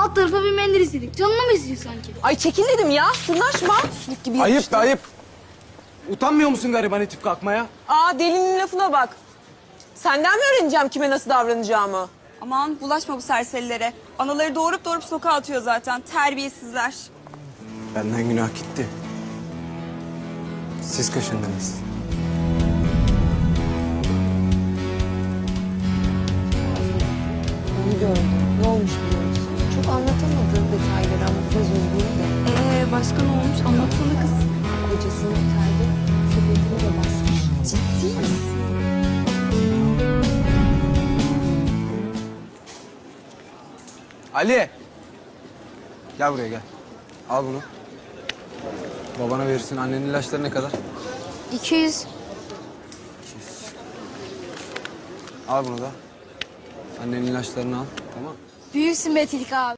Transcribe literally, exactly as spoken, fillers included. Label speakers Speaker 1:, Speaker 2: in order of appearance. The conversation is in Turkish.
Speaker 1: Alt tarafa bir mendil istedik. Canına mı istiyor sanki?
Speaker 2: Ay çekil dedim ya. Sırnaşma. Sürük gibi
Speaker 3: Ayıp
Speaker 2: yapıştı.
Speaker 3: be ayıp. Utanmıyor musun gariban itip kalkmaya?
Speaker 2: Aa delinin lafına bak. Senden mi öğreneceğim kime nasıl davranacağımı?
Speaker 4: Aman bulaşma bu serserilere. Anaları doğurup doğurup sokağa atıyor zaten. Terbiyesizler.
Speaker 3: Benden günah gitti. Siz kaşındınız.
Speaker 2: Onu gördüm. Ne olmuş biliyor musun? Çok anlatamadığım detayları ama biraz üzgünüm de.
Speaker 4: Ee başka ne olmuş? Anlatsana kız.
Speaker 2: Kocasının otelde sepetini de basmış.
Speaker 4: Ciddi misin?
Speaker 3: Ali! Gel buraya gel. Al bunu. Babana verirsin. Annenin ilaçları ne kadar?
Speaker 1: iki yüz.
Speaker 3: Al bunu da. Annenin ilaçlarını al. Tamam.
Speaker 1: Büyüksün be Tilki abi.